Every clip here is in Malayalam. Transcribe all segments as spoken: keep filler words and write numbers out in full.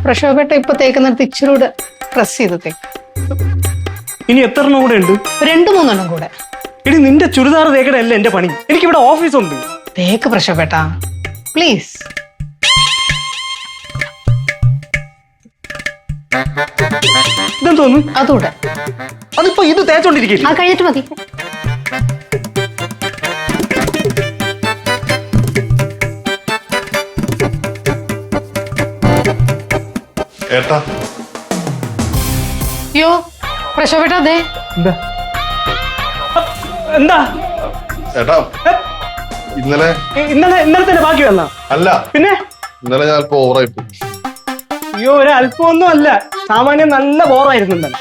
പ്രക്ഷോഭേട്ട ഇപ്പൊ തേക്കുന്നിടത്ത് ഇച്ചിരി കൂടെ പ്രസ് ചെയ്ത് തേക്ക്. ഇനി എത്ര എണ്ണം കൂടെ ഉണ്ട്? രണ്ടു മൂന്നെണ്ണം കൂടെ. ഇനി നിന്റെ ചുരിദാർ തേക്കടല്ല എന്റെ പണി. എനിക്കിവിടെ ഓഫീസ് ഉണ്ട്. തേക്ക് പ്രക്ഷോഭേട്ട പ്ലീസ്. ഇതെന്ന് തോന്നുന്നു. അതുകൂടെ. അതിപ്പോ ഇത് തേച്ചോണ്ടിരിക്കില്ല. അത് കഴിഞ്ഞിട്ട് മതി. ഏട്ടാ യോ പ്രക്ഷോഭേട്ട അതെ. എന്താ എന്താ ഏട്ടാ ഇന്നലെ ഇന്നലെ ഇന്നലെ തന്നെ ബാക്കി വന്ന അല്ല പിന്നെ ഇന്നലെ ഞാൻ അല്പം ഓവറായി പോയി. അയ്യോ ഒരു അല്പമൊന്നും അല്ല, സാമാന്യം നല്ല ബോറായിരുന്നു ഇന്നലെ.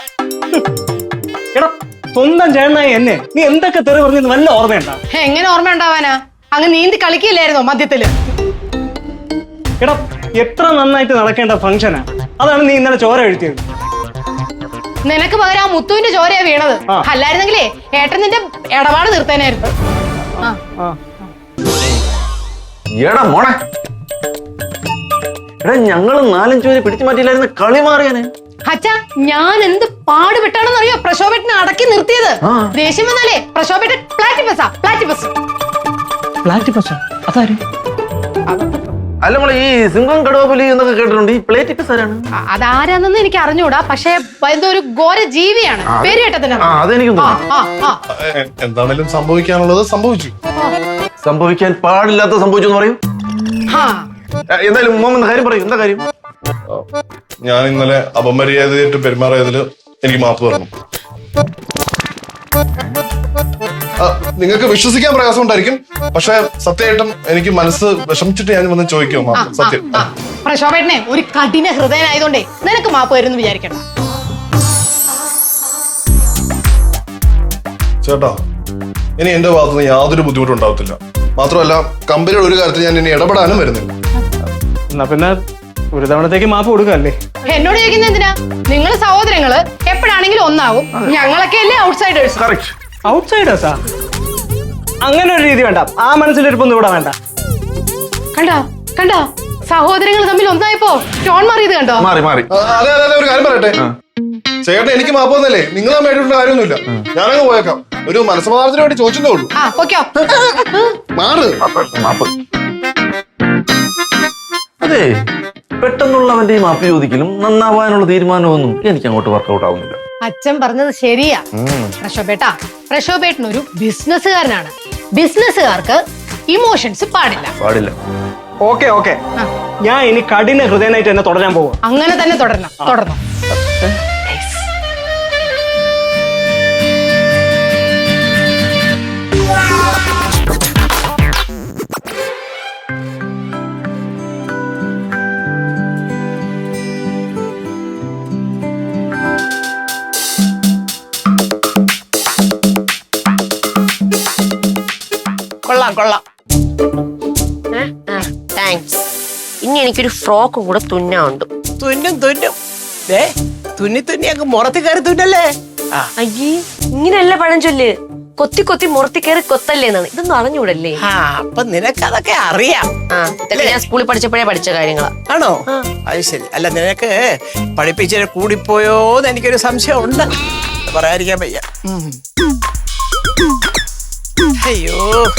എടാ സ്വന്തം ചേട്ടനായി എന്നെ നീ എന്തൊക്കെ തെറി പറഞ്ഞത് വല്ല ഓർമ്മയുണ്ടാ? എങ്ങനെ ഓർമ്മ ഉണ്ടാവാനാ? അങ്ങ് നീന്തി കളിക്കില്ലായിരുന്നോ മധ്യത്തില്? എടാ എത്ര നന്നായിട്ട് നടക്കേണ്ട ഫംഗ്ഷനാ, അതാണ് നീ ഇന്നലെ ചോര എഴുത്തിയത്. നിനക്ക് പകരം ആ മുത്തുവിന്റെ ചോരയാ വീണത്. അല്ലായിരുന്നെങ്കിലേ ഏട്ടൻ നിന്റെ ഇടപാട് നിർത്താനായിരുന്നു. എടാ മോളെ, എടാ ഞങ്ങള് നാലഞ്ചു പേര് പിടിച്ചു മാറ്റിയില്ലായിരുന്നു, കളി മാറിയാനെ. അച്ഛാ ഞാൻ എന്ത് പാടുപെട്ടാണെന്ന് അറിയോ പ്രക്ഷോഭേട്ടനെ അടക്കി നിർത്തിയത്. ദേഷ്യം വന്നാലേ പ്രക്ഷോഭേട്ടൻ പ്ലാറ്റിപ്പസാ പ്ലാറ്റിപ്പസ്. പ്ലാറ്റിപ്പസ് അതാര്? അല്ല മോളെ, ഈ സിംഹം കടുവപുലി എന്നൊക്കെ കേട്ടിട്ടുണ്ട്, ഈ പ്ലേറ്റിപ്പസ് ആരാണ്? അതാരാന്നെന്ന് എനിക്ക് അറിഞ്ഞൂടാ, പക്ഷെ എന്തോ ഒരു ഘോര ജീവിയാണ്. പേര് കേട്ടതിനാ. അതെനിക്കും എന്താണേലും സംഭവിക്കാനുള്ളത് സംഭവിച്ചു. സംഭവിക്കാൻ പാടില്ലാത്ത സംഭവിച്ചു എന്ന് പറയും. എന്തായാലും ഉമ്മ കാര്യം പറയും. എന്താ കാര്യം? ഞാൻ ഇന്നലെ അപമര്യാദയായിട്ട് പെരുമാറിയതില് എനിക്ക് മാപ്പ് തരണം. നിങ്ങൾക്ക് വിശ്വസിക്കാൻ പ്രയാസം ഉണ്ടായിരിക്കും, പക്ഷെ സത്യമായിട്ടും എനിക്ക് മനസ്സ് വിഷമിച്ചിട്ട് ഞാൻ വന്ന് ചോദിക്കുമോ സത്യം. പ്രക്ഷോഭേട്ടനെ ഒരു കഠിന ഹൃദയനായതുകൊണ്ടേ നിനക്ക് മാപ്പ് വരുമെന്ന് വിചാരിക്കണം. ചേട്ടാ ഇനി എന്റെ ഭാഗത്തുനിന്ന് യാതൊരു ബുദ്ധിമുട്ടും ഉണ്ടാവത്തില്ല. മാത്രമല്ല കമ്പനിയുടെ ഒരു കാര്യത്തിൽ ഞാൻ ഇനി ഇടപെടാനും വരുന്നില്ല. എന്നാ പിന്നെ ഒരു തവണത്തേക്ക് മാപ്പ് കൊടുക്കല്ലേ? എന്നോട് ചോദിക്കുന്ന എന്തിനാ? നിങ്ങൾ സഹോദരങ്ങള് എപ്പോഴാണെങ്കിലും ഒന്നാവും. ഞങ്ങളൊക്കെ അല്ലേ ഔട്ട്സൈഡേഴ്സ്. ഔട്ട്സൈഡേഴ്സാ? അങ്ങനെ ഒരു രീതി വേണ്ട, ആ മനസ്സിലിരിപ്പൊന്നും ഇവിടെ വേണ്ട. കണ്ടോ കണ്ടോ സഹോദരങ്ങൾ തമ്മിൽ ഒന്നായപ്പോ ടോൺ മാറിയത് കണ്ടോ? മാറി മാറി. അതെ അതെ അതെ ഒരു കാര്യം പറയട്ടെ ചേട്ടൻ, എനിക്ക് മാപ്പ് വന്നല്ലേ, നിങ്ങൾ മേടിച്ചിട്ടുള്ള കാര്യമൊന്നുമില്ല. ഞാനങ്ങ് പോയേക്കാം. ഒരു മനസ്സമാധാനത്തിന് വേണ്ടി ചോദിച്ചതേ ഉള്ളൂ. ആ ഓക്കോ മാറ്. മാപ്പ്. അതെ, പെട്ടെന്നുള്ളവന്റെ ഈ മാപ്പ് ചോദിക്കലും നന്നാവാനുള്ള തീരുമാനമൊന്നും എനിക്ക് അങ്ങോട്ട് വർക്കൗട്ട് ആവുന്നില്ല. അച്ഛൻ പറഞ്ഞത് ശരിയാ പ്രക്ഷോഭേട്ടാ. പ്രക്ഷോഭേട്ടൻ ഒരു ബിസിനസ്സുകാരനാണ്. ബിസിനസ്സുകാർക്ക് ഇമോഷൻസ് പാടില്ല പാടില്ല. ഓക്കെ ഓക്കെ, ഞാൻ ഇനി കഠിന ഹൃദയനായിട്ട് എന്നെ തുടരാൻ പോവാ. അങ്ങനെ തന്നെ തുടരണം. തുടർന്നു. കൊള്ളാം കൊള്ളാം. താങ്ക്സ്. ഇനി എനിക്കൊരു ഫ്രോക്കും കൂടെ തുന്നുണ്ട്. തുന്നും തുന്നും തുന്നി തുന്നി അങ്ങ് മുറത്തി കയറി തുന്നല്ലേ? അയ്യേ, ഇങ്ങനെയല്ല പഴഞ്ചൊല്ല്. കൊത്തി കൊത്തി മുറത്തി കയറി കൊത്തല്ലേ എന്നാണ്. ഇതൊന്നും അറിഞ്ഞൂടല്ലേ? അപ്പൊ നിനക്ക് അതൊക്കെ അറിയാം. ആ, ഇതൊക്കെ ഞാൻ സ്കൂളിൽ പഠിച്ചപ്പോഴേ പഠിച്ച കാര്യങ്ങളാ. ആണോ? അത് ശരി. അല്ല നിനക്ക് പഠിപ്പിച്ച കൂടിപ്പോയോന്ന് എനിക്കൊരു സംശയം ഉണ്ട്. പറയാതിരിക്കാൻ വയ്യ. അയ്യോ,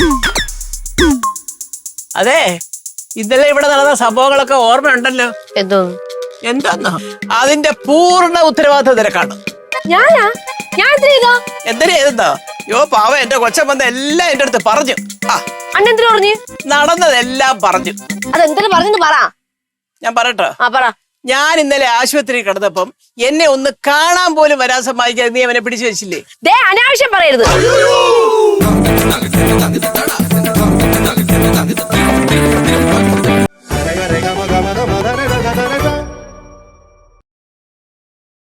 അതെ ഇന്നലെ ഇവിടെ നടന്ന സംഭവങ്ങളൊക്കെ ഓർമ്മയുണ്ടല്ലോ. എന്തോ എന്താന്നോ? അതിന്റെ പൂർണ്ണ ഉത്തരവാദിത്വം നിനക്കാണ്. ഞാനാ? ഞാൻ എന്തിനാ ചെയ്തെന്നോ? യോ പാവ എന്റെ കൊച്ചൻ വന്ന എല്ലാം എന്റെ അടുത്ത് പറഞ്ഞു. ആ അന്നെന്തിനു പറഞ്ഞു? നടന്നതെല്ലാം പറഞ്ഞു. അതെന്തിനു പറഞ്ഞു പറ. ഞാൻ പറയട്ടോ? ആ പറ. ഞാൻ ഇന്നലെ ആശുപത്രി കിടന്നപ്പം എന്നെ ഒന്ന് കാണാൻ പോലും വരാൻ സമ്മതിക്കാതെ നീ അവനെ പിടിച്ചു വെച്ചില്ലേ? അനാവശ്യം പറയരുത്.